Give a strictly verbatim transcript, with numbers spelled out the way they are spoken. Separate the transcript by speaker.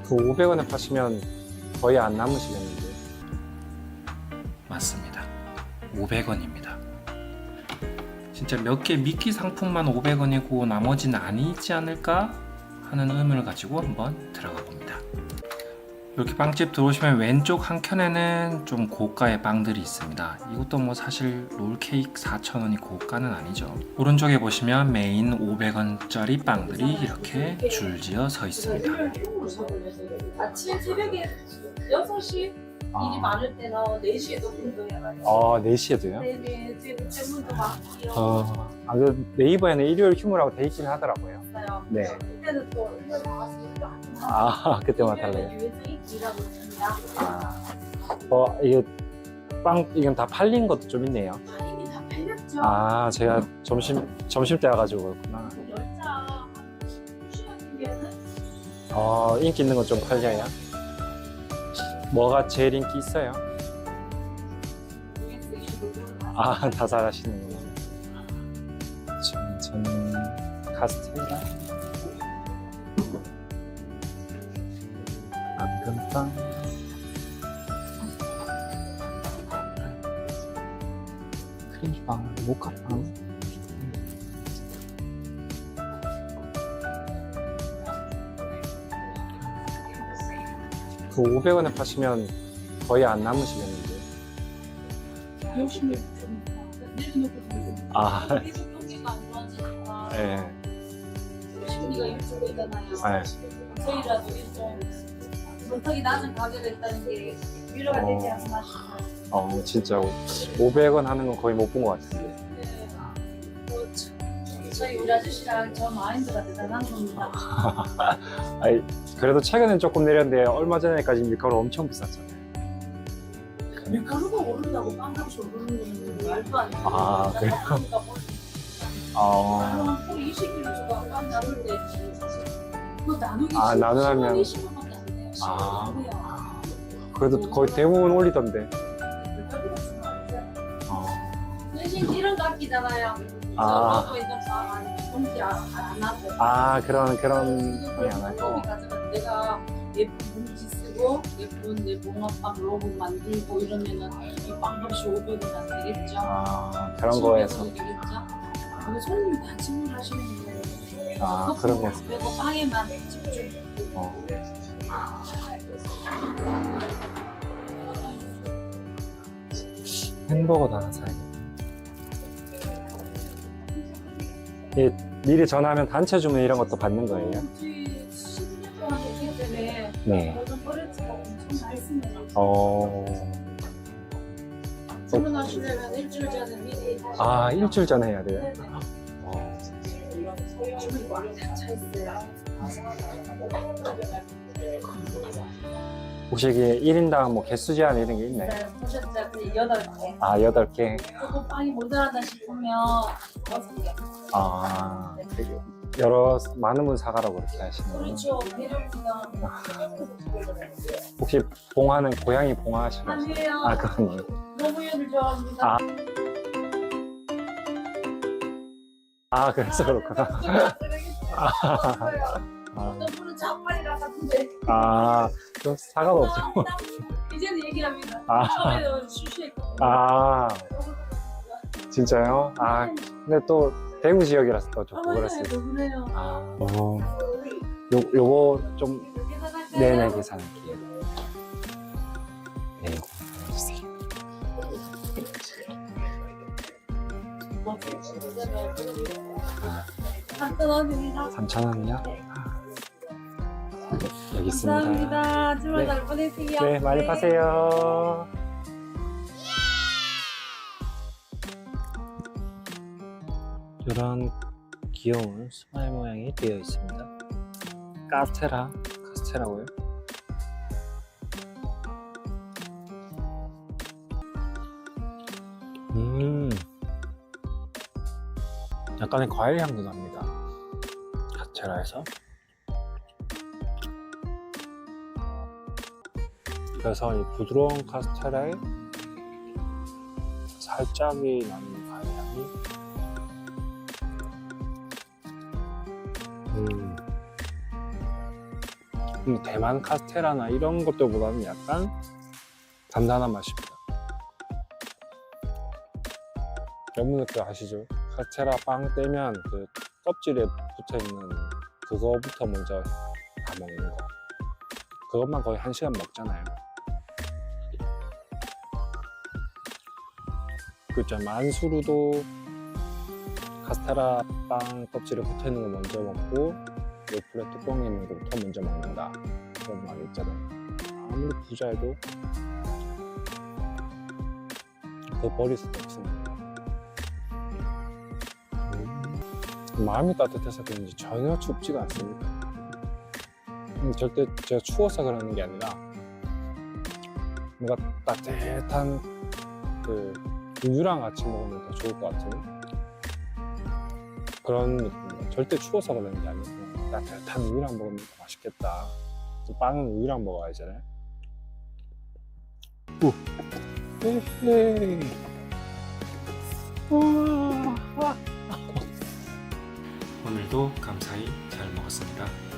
Speaker 1: 그 오백 원에 파시면 거의 안 남으시겠는데.
Speaker 2: 맞습니다. 오백 원입니다. 진짜 몇 개 미끼 상품만 오백 원이고 나머지는 아니지 않을까 하는 의문을 가지고 한번 들어가 봅니다. 이렇게 빵집 들어오시면 왼쪽 한 켠에는 좀 고가의 빵들이 있습니다. 이것도 뭐 사실 롤케이크 사천 원이 고가는 아니죠. 오른쪽에 보시면 메인 오백 원짜리 빵들이 이렇게 줄지어 서 있습니다.
Speaker 3: 아침 새벽에 여섯 시 일이 많을 때는 네 시에도 운동해가지고.
Speaker 1: 아, 네 시에도요?
Speaker 3: 네네, 지금 주문도 많고요.
Speaker 1: 어, 아, 그 네이버에는 일요일 휴무라고 돼 있긴 하더라고요.
Speaker 3: 있어요.
Speaker 1: 네.
Speaker 3: 그때는 또 일요일 나왔으니까.
Speaker 1: 아, 그때만 달라요?
Speaker 3: 유해성이 길하고 있습니다.
Speaker 1: 아, 어, 이게 빵, 이건 다 팔린 것도 좀 있네요.
Speaker 3: 파인이 다 팔렸죠.
Speaker 1: 아, 제가 점심, 점심 때 와가지고 그렇구나.
Speaker 3: 열차 한 두 시간이면은
Speaker 1: 어, 인기 있는 건 좀 팔려요? 뭐가 제일 인기 있어요? 아, 다 잘하시는구나. 전, 저는 카스텔라, 앙금빵, 크림빵, 모카빵. 그 오백 원에 파시면 거의 안 남으시겠는데.
Speaker 3: 열심히 좀 내려놓고
Speaker 1: 아,
Speaker 3: 계속 경기가 안 좋아지니까
Speaker 1: 예.
Speaker 3: 심리가 일주고 있잖아요.
Speaker 1: 네.
Speaker 3: 저희라도 좀 물턱이 낮은 가격에 있다는 게 위로가 되지 않나 싶어요.
Speaker 1: 어, 진짜 오백 원 하는 건 거의 못 본 것 같은데.
Speaker 3: 네. 뭐, 저- 저희 우리 아저씨랑 저 마인드가 대단한 겁니다.
Speaker 1: 아이, 그래도 최근엔 조금 내렸는데 얼마 전에까지 밀가루 엄청 비쌌잖아요.
Speaker 3: 밀가루가 오른다고 빵값이 오르는 건 말도 안 돼.
Speaker 1: 아, 그래요? 아,
Speaker 3: 한 이십 킬로그램 주고 빵 나눌 때 그거 나누기
Speaker 1: 아, 나누면-
Speaker 3: 이십 원밖에 안 돼요.
Speaker 1: 아.
Speaker 3: 십 원이고요.
Speaker 1: 그래도 거의 대부분 올리던데.
Speaker 3: 밀가루가 중요하죠.
Speaker 1: 어.
Speaker 3: 대신 이런 거 아끼잖아요.
Speaker 1: 아.
Speaker 3: 저 먹고 있는 밥 공기 안 하고.
Speaker 1: 아, 그런, 그런 거이 안
Speaker 3: 사람이
Speaker 1: 하고.
Speaker 3: 가져가 내가 예쁜 봉지 쓰고 예쁜 내 붕어빵 로고 만들고 이러면은 이 빵값이 오백 원 안 되겠죠.
Speaker 1: 아, 그런 거에서.
Speaker 3: 되겠죠. 이거 손님이 다 주문하시는 거예요.
Speaker 1: 아, 그런 거에서.
Speaker 3: 그리고 빵에만 집중.
Speaker 1: 어. 햄버거도 하나 사야겠다. 예, 미리 전화하면 단체 주문 이런 것도 받는 거예요?
Speaker 3: 저희 십 년 동안 됐기 때문에
Speaker 1: 네.
Speaker 3: 모든 거래처가 엄청 많습니다.
Speaker 1: 어.
Speaker 3: 주문하시려면 일주일 전에 미리
Speaker 1: 아, 일주일 전에 해야 돼요?
Speaker 3: 네네.
Speaker 1: 어.
Speaker 3: 주문이 꽉차 있어요.
Speaker 1: 혹시 이게 일 인당 뭐 개수 제한 이런 게 있나요?
Speaker 3: 네, 보셨죠? 그 여덟 개.
Speaker 1: 아, 여덟 개.
Speaker 3: 조금 빵이 모자라다 싶으면 여섯 개.
Speaker 1: 아, 여러, 많은 분 사가라고 그렇게 하시는 거예요?
Speaker 3: 그렇죠. 배려입니다.
Speaker 1: 혹시 봉화는 고양이 봉화 하시는 거예요?
Speaker 3: 아니에요.
Speaker 1: 아, 그건
Speaker 3: 노무현을 좋아합니다.
Speaker 1: 아. 아, 그래서 그렇구나. 아,
Speaker 3: 어떤 분은 작발이라 같은데.
Speaker 1: 아, 좀 사과가 없죠.
Speaker 3: 이제는 얘기합니다.
Speaker 1: 아.
Speaker 3: 처음에는 쉬쉬했거든요.
Speaker 1: 아, 진짜요? 아, 근데 또 대구 지역이라서 또 좋고 그랬어요.
Speaker 3: 그러네요.
Speaker 1: 아, 어, 요, 요거 좀, 네네, 계산할게요. 네, 이거 보내주세요.
Speaker 3: 삼천 원입니다.
Speaker 1: 삼천 원이요? 여기 있습니다.
Speaker 3: 감사합니다. 주말
Speaker 1: 네.
Speaker 3: 잘 보내세요.
Speaker 1: 네, 많이 파세요. 이런 귀여운 스마일 모양이 되어 있습니다. 카스테라, 카스테라고요? 음, 약간의 과일 향도 납니다. 카스테라에서. 그래서 이 부드러운 카스테라에 살짝이 나는 과일 향이. 음. 음, 대만 카스테라나 이런 것들보다는 약간 단단한 맛입니다. 여러분들 그 아시죠? 카스테라 빵 떼면 그 껍질에 붙어있는 그거부터 먼저 다 먹는 거. 그것만 거의 한 시간 먹잖아요. 그죠? 만수르도 카스테라 빵 껍질에 붙어있는 거 먼저 먹고 요플레 뚜껑에 있는 것부터 먼저 먹는다. 그런 말이 있잖아요. 아무리 부자여도 그거 버릴 수도 없습니다. 마음이 따뜻해서 그런지 전혀 춥지가 않습니다. 음, 절대 제가 추워서 그러는 게 아니라 뭔가 따뜻한 그 우유랑 같이 먹으면 더 좋을 것 같은 그런 느낌입니다. 절대 추워서 그러는 게 아니고 따뜻한 우유랑 먹으면 더 맛있겠다. 빵은 우유랑 먹어야 하잖아요. 오. 헤헤. 우와.
Speaker 2: 오늘도 감사히 잘 먹었습니다.